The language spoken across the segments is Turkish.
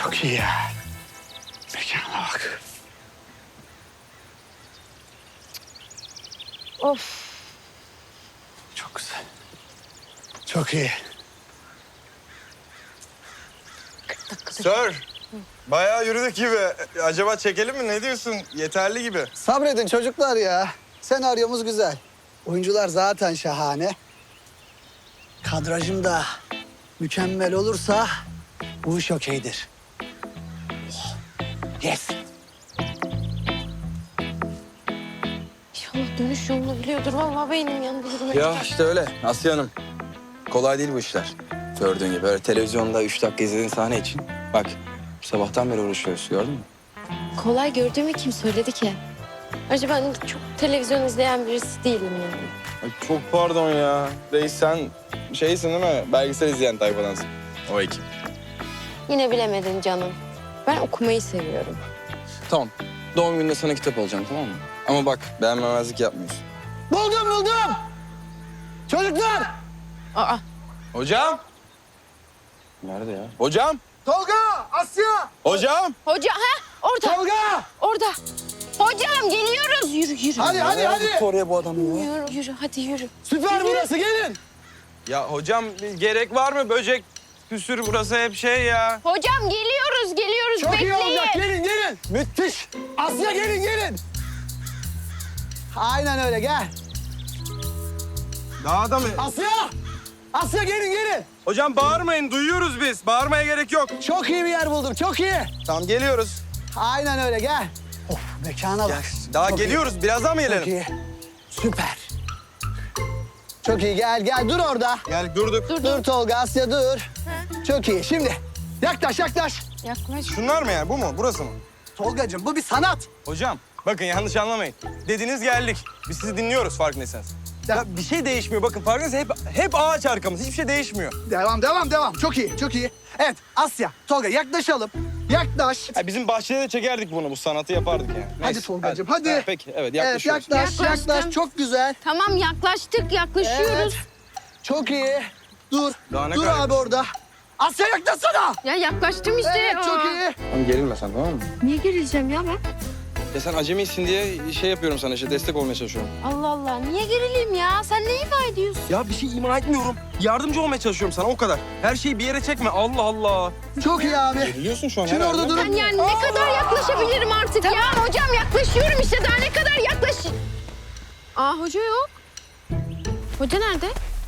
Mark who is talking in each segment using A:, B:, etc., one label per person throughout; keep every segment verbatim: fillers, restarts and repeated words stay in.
A: Çok iyi ya. Mekana bak.
B: Of.
A: Çok güzel. Çok iyi.
C: Sir, bayağı yürüdük gibi. Acaba çekelim mi? Ne diyorsun? Yeterli gibi.
A: Sabredin çocuklar ya. Senaryomuz güzel. Oyuncular zaten şahane. Kadrajım da mükemmel olursa bu iş okeydir. Oh, yes.
B: İnşallah dönüş yolunu biliyordur. Vallahi beynim yandı yürümek.
D: Ya işte öyle Asya Hanım. Kolay değil bu işler. Gördüğün gibi böyle televizyonda üç dakika izlediğin sahne için. Bak sabahtan beri uğraşıyoruz gördün mü?
B: Kolay gördüğümü kim söyledi ki? Ayrıca ben çok televizyon izleyen birisi değilim yani.
C: Ay, çok pardon ya. Reis sen şeysin değil mi? Belgesel izleyen tayfadansın. O ekip.
B: Yine bilemedin canım. Ben okumayı seviyorum.
D: Tamam. Doğum gününde sana kitap alacağım tamam mı? Ama bak beğenmemezlik yapmıyorsun.
A: Buldum buldum. Çocuklar.
B: Aa,
C: Hocam!
D: Nerede ya?
C: Hocam!
A: Tolga, Asya.
C: Hocam!
B: hoca ha orada
A: Tolga.
B: orada. Hocam geliyoruz. Yürü yürü.
A: Hadi hadi hadi.
D: Oraya bu adam ya.
B: Yürü yürü hadi yürü.
A: Süper burası gelin.
C: Ya hocam gerek var mı? Böcek püsür burası hep şey ya.
B: Hocam geliyoruz geliyoruz
A: Çok
B: bekleyin.
A: iyi olacak. Gelin gelin. Müthiş. Asya gelin gelin. Aynen öyle gel.
C: Daha da mı?
A: Asya. Asya gelin gelin.
C: Hocam bağırmayın. Duyuyoruz biz. Bağırmaya gerek yok.
A: Çok iyi bir yer buldum. Çok iyi.
C: Tamam geliyoruz.
A: Aynen öyle gel. Of mekana bak.
C: Daha
A: Çok iyi.
C: geliyoruz. Birazdan mı
A: Çok
C: gelelim?
A: iyi. Süper. Çok iyi gel gel dur orada.
C: Yani durduk.
B: Dur
A: Dur
B: dur.
A: Tolga Asya dur. Çok iyi. Şimdi yaklaş yaklaş.
B: Yaklaş.
C: Şunlar mı yani? Bu mu? Burası mı?
A: Tolgacığım bu bir sanat.
C: Hocam bakın yanlış anlamayın. Dediniz geldik. Biz sizi dinliyoruz farkındaysanız. Ya bir şey değişmiyor. Bakın farkındaysanız hep, hep ağaç arkamız. Hiçbir şey değişmiyor.
A: Devam devam devam. Çok iyi çok iyi. Evet Asya Tolga yaklaşalım. Yaklaş.
C: Ya bizim bahçede de çekerdik bunu. Bu sanatı yapardık yani.
A: Hadi Tolgacığım, hadi.
C: Ha, peki evet
A: Evet
C: yaklaşıyoruz.
A: yaklaş
B: Yaklaştım.
A: yaklaş. Çok güzel.
B: Tamam yaklaştık yaklaşıyoruz.
A: Çok iyi. Dur.
C: Daha ne
A: Dur
C: kadar-
A: abi orada. Asya yaklaşsana.
B: Ya yaklaştım işte.
A: Evet çok
B: Aa.
A: iyi.
D: Tamam gerilme sen tamam mı?
B: Niye gerileceğim ya ben?
D: Ya sen acemisin diye şey yapıyorum sana işte destek olmaya çalışıyorum.
B: Allah Allah niye gerileyim ya? Sen ne ifade ediyorsun?
C: Ya bir şey ima etmiyorum. Yardımcı olmaya çalışıyorum sana o kadar. Her şeyi bir yere çekme. Allah Allah.
A: Çok iyi abi.
D: Geriliyorsun şu an
A: Şimdi
D: herhalde.
A: orada durun.
B: Ben yani ne kadar yaklaşabilirim artık ya? Hocam yaklaşıyorum işte daha ne kadar yaklaş... Aa hoca yok. Hoca nerede?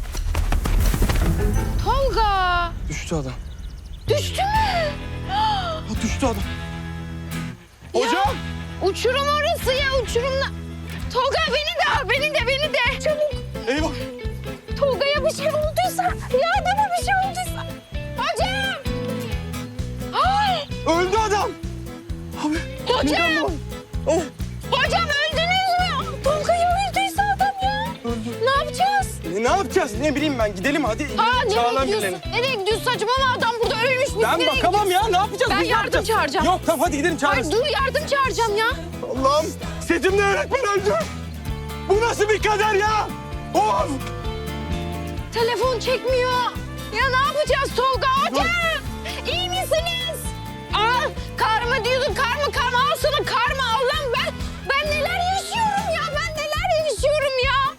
B: Tolga.
D: Düştü adam.
B: Düştü mü?
C: Ha, düştü adam. Hocam.
B: Uçurum orası ya uçurumla. Tolga beni de al beni de beni de. Çabuk.
C: Eyvah.
B: Tolga'ya bir şey olduysa. Yardıma bir şey olduysa. Hocam. Ay.
C: Öldü adam.
B: Hocam.
C: Oh.
B: Hocam öldünüz mü? Tolga'yı öldüyse adam ya. Ne yapacağız?
C: E, ne yapacağız? Ne bileyim ben. Gidelim hadi.
B: Aa nereye
C: Çağıralım
B: gidiyorsun?
C: birilerini.
B: Nereye gidiyorsun saçmalama adam burada ölmüş. Biz
C: Ben
B: nereye
C: bakamam ya. Ne yapacağız?
B: Ben
C: Biz ne
B: yardım
C: yapacağız?
B: çağıracağım.
C: Yok tamam hadi gidelim çağırırız.
B: Ay dur yardım çağıracağım ya.
C: Allah'ım setimde öğretmen öldü. Bu nasıl bir kader ya? Of!
B: Telefon çekmiyor. Ya ne yapacağız Tolga? Hocam iyi misiniz? Al kar mı diyordun kar mı kar mı? Al sana kar mı? Allah'ım ben, ben neler yaşıyorum ya? Ben neler yaşıyorum ya?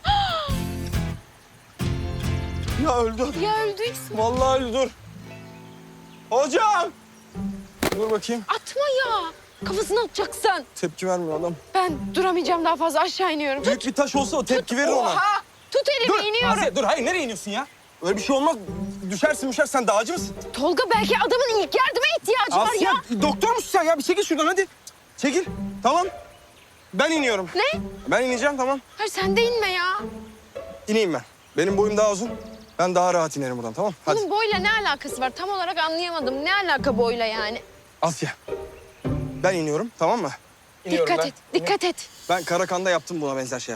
C: Ya öldü adam.
B: Ya öldüyse
C: Vallahi öldü dur. Hocam! Dur bakayım.
B: atma ya. Kafasını atacaksın.
C: Tepki vermiyor adam.
B: Ben duramayacağım daha fazla aşağı iniyorum.
C: Büyük bir taş olsa o tepki verir ona.
B: Oha! Tut elimi
C: Dur
B: iniyorum.
C: Asya dur hayır nereye iniyorsun ya? Öyle bir şey olmaz. Düşersin düşer sen dağcı mısın?
B: Tolga belki adamın ilk yardıma ihtiyacı var
C: Asya
B: ya.
C: doktor musun sen ya? Bir çekil şuradan hadi. Çekil. Tamam. Ben iniyorum.
B: Ne?
C: Ben ineceğim tamam.
B: Hayır sen de inme ya.
C: İneyim ben. Benim boyum daha uzun. Ben daha rahat inerim buradan tamam. Hadi.
B: Bunun boyla ne alakası var? Tam olarak anlayamadım. Ne alaka boyla yani?
C: Asya. Ben iniyorum tamam mı? İniyorum
B: Dikkat
C: ben.
B: et, dikkat et.
C: Ben Karakan'da yaptım buna benzer şeyler.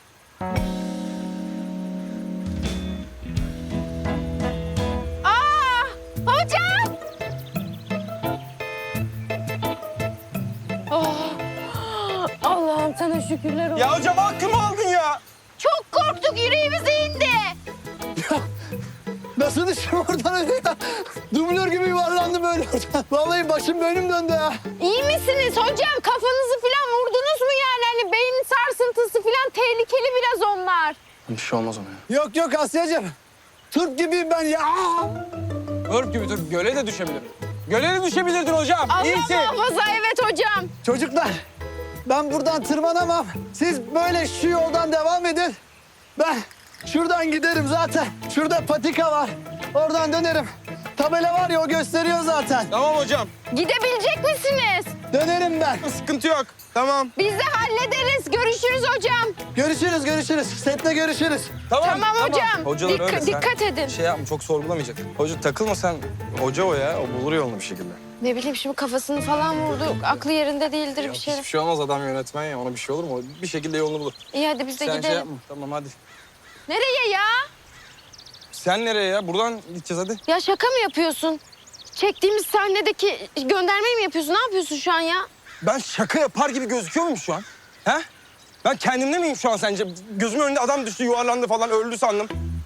B: Aa! Hocam! Oh, Allah'ım sana şükürler olsun.
C: Ya hocam hakkımı aldın ya.
B: Çok korktuk, yüreğimize indi.
A: Nasıl düştüm oradan öyle ya? Dublör gibi yuvarlandım böyle. Vallahi başım önüm döndü ya.
B: İyi misiniz hocam? Kafanızı falan vurdunuz mu yani? Hani beyin sarsıntısı falan tehlikeli biraz onlar.
D: Bir şey olmaz ona ya.
A: Yok yok Asya'cığım. Türk gibiyim ben ya.
C: Örp gibi Türk. Göle de düşebilir. Göle de düşebilirdin hocam.
B: Allah
C: İyisin.
B: muhafaza, evet hocam.
A: Çocuklar, ben buradan tırmanamam. Siz böyle şu yoldan devam edin. Ben şuradan giderim zaten. Şurada patika var. Oradan dönerim. Tabela var ya, o gösteriyor zaten.
C: Tamam hocam.
B: Gidebilecek misiniz?
A: Dönerim ben.
C: Sıkıntı yok. Tamam.
B: Biz de hallederiz. Görüşürüz hocam.
A: Görüşürüz, görüşürüz. Sette görüşürüz.
B: Tamam, hocam.
C: Hocalar
B: Dikka-
C: öyle, sen
B: dikkat edin.
C: Şey yapma, çok sorgulamayacak. Hoca takılma sen. Hoca o ya. O bulur yolunu bir şekilde.
B: Ne bileyim şimdi kafasını falan vurdu. Aklı yerinde değildir bir şey.
C: Hiçbir şey olmaz, adam yönetmen ya. Ona bir şey olur mu? O bir şekilde yolunu bulur.
B: İyi hadi biz de
C: Sen şey
B: gidelim.
C: yapma. Tamam hadi.
B: Nereye ya?
C: Sen nereye ya? Buradan gideceğiz hadi.
B: Ya şaka mı yapıyorsun? Çektiğimiz sahnedeki göndermeyi mi yapıyorsun? Ne yapıyorsun şu an ya?
C: Ben şaka yapar gibi gözüküyor muyum şu an? He? Ben kendimde miyim şu an sence? Gözümün önünde adam düştü, yuvarlandı falan, öldü sandım.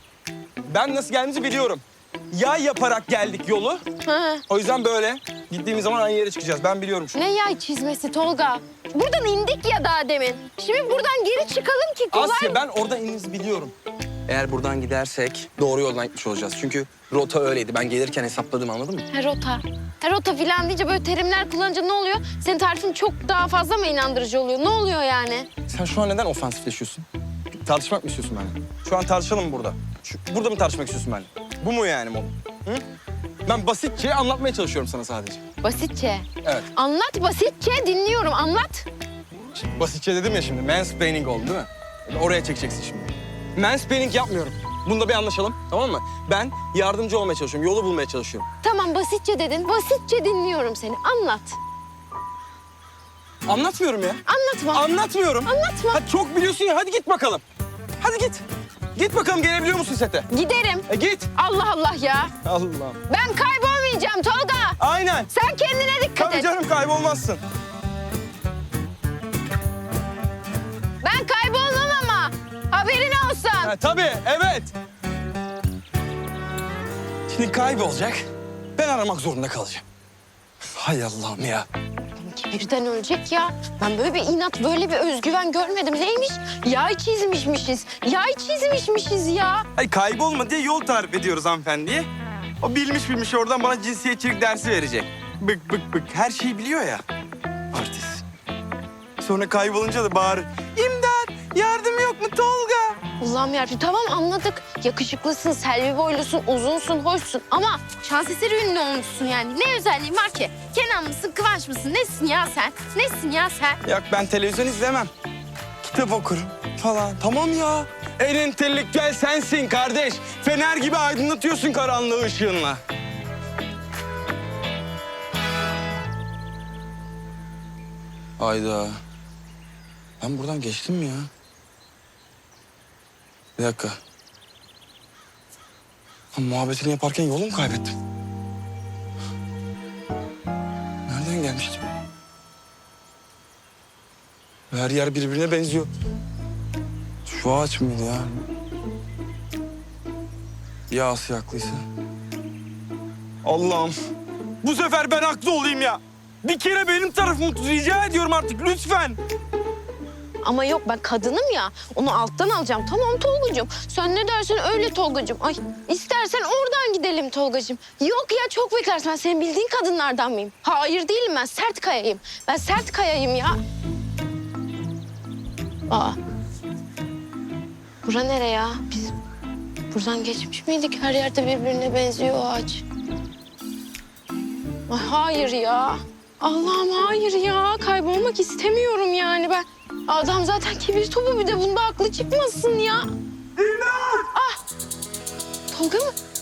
C: Ben nasıl geldiğimizi biliyorum. Yay yaparak geldik yolu.
B: Hı.
C: O yüzden böyle gittiğimiz zaman aynı yere çıkacağız. Ben biliyorum şu an.
B: Ne yay çizmesi Tolga? Buradan indik ya daha demin. Şimdi buradan geri çıkalım ki kolay
C: Asya,
B: mı?
C: ben orada inizi biliyorum.
D: Eğer buradan gidersek doğru yoldan gitmiş olacağız. Çünkü rota öyleydi. Ben gelirken hesapladım, anladın mı?
B: Ha, rota. Ha, rota filan deyince böyle terimler kullanınca ne oluyor? Senin tarifin çok daha fazla mı inandırıcı oluyor? Ne oluyor yani?
C: Sen şu an neden ofansifleşiyorsun? Tartışmak mı istiyorsun benimle? Şu an tartışalım mı burada? Şu, burada mı tartışmak istiyorsun benimle? Bu mu yani mod? Hı? Ben basitçe anlatmaya çalışıyorum sana sadece.
B: Basitçe.
C: Evet.
B: Anlat basitçe, dinliyorum. Anlat.
C: Şimdi basitçe dedim ya şimdi. Mansplaining oldu değil mi? Oraya çekeceksin şimdi. Mansplaining yapmıyorum. Bunda bir anlaşalım, tamam mı? Ben yardımcı olmaya çalışıyorum, yolu bulmaya çalışıyorum.
B: Tamam basitçe dedin. Basitçe dinliyorum seni. Anlat.
C: Anlatmıyorum ya.
B: Anlatma.
C: Anlatmıyorum.
B: Anlatma.
C: Hadi çok biliyorsun ya, hadi git bakalım. Hadi git. Git bakalım, gelebiliyor musun sete?
B: Giderim.
C: E git.
B: Allah Allah ya.
C: Allah.
B: Ben kaybolmayacağım Tolga.
C: Aynen.
B: Sen kendine dikkat
C: Tabii
B: et.
C: canım, kaybolmazsın.
B: Ben kaybolmam ama. Haberin olsun.
C: Ha, tabii, evet. Şimdi kaybolacak. Ben aramak zorunda kalacağım. Hay Allah'ım ya.
B: Birden ölecek ya. Ben böyle bir inat, böyle bir özgüven görmedim. Neymiş? Yay çizmişmişiz. Yay çizmişmişiz ya.
C: Ay kaybolma diye yol tarif ediyoruz hanımefendiye. O bilmiş bilmiş oradan bana cinsiyetçilik dersi verecek. Bık bık bık. Her şeyi biliyor ya. Artist. Sonra kaybolunca da bağırır. İmdat! Yardım yok mu Tolga?
B: Allah'ım yarabbim, tamam anladık. Yakışıklısın, selvi boylusun, uzunsun, hoşsun. Ama şans eseri ünlü olmuşsun yani. Ne özelliğin var ki? Kenan mısın, Kıvanç mısın? Nesin ya sen? Nesin ya sen?
C: Yok, ben televizyon izlemem. Kitap okurum falan. Tamam ya. En entelektüel sensin kardeş. Fener gibi aydınlatıyorsun karanlığı ışığınla.
D: Hayda. Ben buradan geçtim mi ya? Bir dakika. Ha, muhabbetini yaparken yolu mu kaybettim? Nereden gelmiştim? Her yer birbirine benziyor. Şu ağaç mıydı ya? Ya Asya haklıysa?
C: Allah'ım. Bu sefer ben haklı olayım ya. Bir kere benim tarafımı tut. Rica ediyorum artık lütfen.
B: Ama yok, ben kadınım ya. Onu alttan alacağım. Tamam Tolgacığım. Sen ne dersen öyle Tolgacığım. Ay istersen oradan gidelim Tolgacığım. Yok ya, çok beklersin. Ben senin bildiğin kadınlardan mıyım? Hayır değilim ben. Sert kayayım. Ben sert kayayım ya. Aa. Bura nere ya? Biz buradan geçmiş miydik? Her yerde birbirine benziyor o ağaç. Ay hayır ya. Allah'ım hayır ya. Kaybolmak istemiyorum yani ben. Adam zaten kibir topu, bir de bunda aklı çıkmasın ya. Ah! Tolga mı?